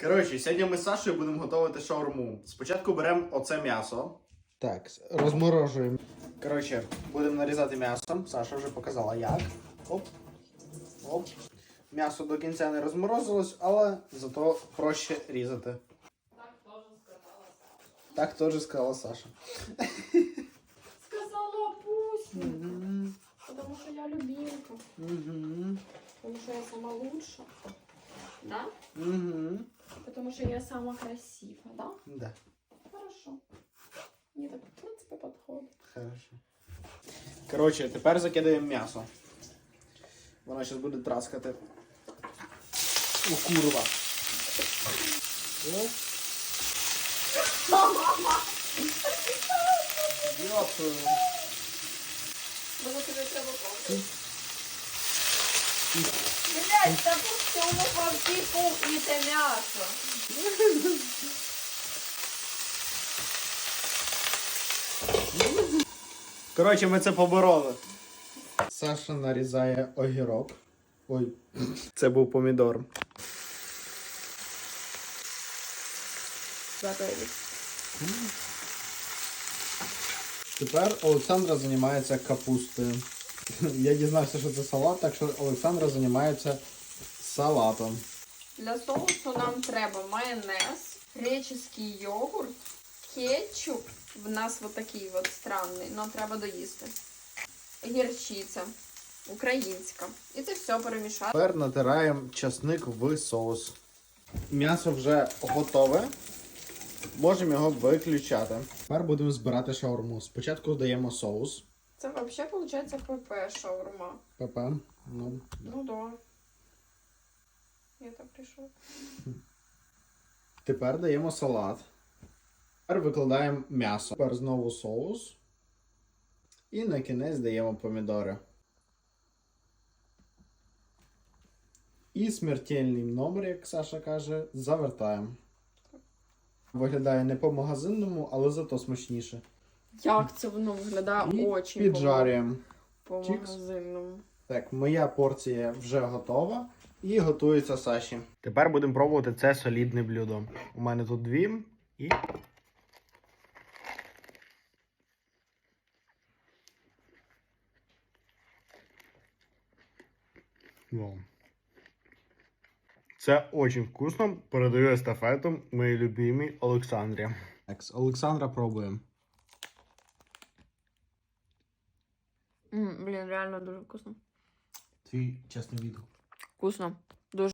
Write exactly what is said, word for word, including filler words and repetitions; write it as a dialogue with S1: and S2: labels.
S1: Коротше, сьогодні ми з Сашою будемо готувати шаурму. Спочатку беремо оце м'ясо. Так, розморожуємо. Коротше, будемо нарізати м'ясо. Саша вже показала як. Оп. Оп. М'ясо до кінця не розморозилось, але зато проще різати. Так теж сказала Саша.
S2: Сказала пусть.
S1: Угу.
S2: Потому что я любимка.
S1: Угу.
S2: Потому что я сама лучшая. Да?
S1: Угу.
S2: Потому что я сама красивая, да?
S1: Да.
S2: Хорошо. Мне так, в принципе, подходит.
S1: Хорошо. Коротше, тепер закидаємо м'ясо. Воно зараз буде траскати. О, курва. О. Йопу.
S2: Може тобі треба помнити? Блять, та пусти воно по всій кухні це м'ясо.
S1: Коротше, ми це побороли. Саша нарізає огірок. Ой, це був помідор. Тепер Олександра займається капустою. Я дізнався, що це салат, так що Олександра займається салатом.
S2: Для соусу нам треба майонез, греческий йогурт, кетчуп. В нас вот такий вот странний, но треба доїсти. Гірчиця українська. І це все перемішати.
S1: Тепер натираємо часник в соус. М'ясо вже готове. Можемо його виключати. Тепер будемо збирати шаурму. Спочатку даємо соус.
S2: Це взагалі виходить ПП шаурма.
S1: ПП. Ну,
S2: Ну да. Я так прийшов.
S1: Тепер даємо салат. Тепер викладаємо м'ясо. Тепер знову соус. І на кінець даємо помідори. І смертельний номер, як Саша каже, завертаємо. Виглядає не по-магазинному, але зато смачніше.
S2: Як це воно виглядає
S1: І
S2: дуже
S1: піджарюємо.
S2: по
S1: Чікс.
S2: магазинному.
S1: Так, моя порція вже готова і готується Саші. Тепер будемо пробувати це солідне блюдо. У мене тут дві і... Вау. Це дуже вкусно. Передаю естафету моїй любимій Олександрі. Так, Олександра пробуємо.
S2: М, блін, реально дуже вкусно.
S1: Твій чесний відгук.
S2: Вкусно.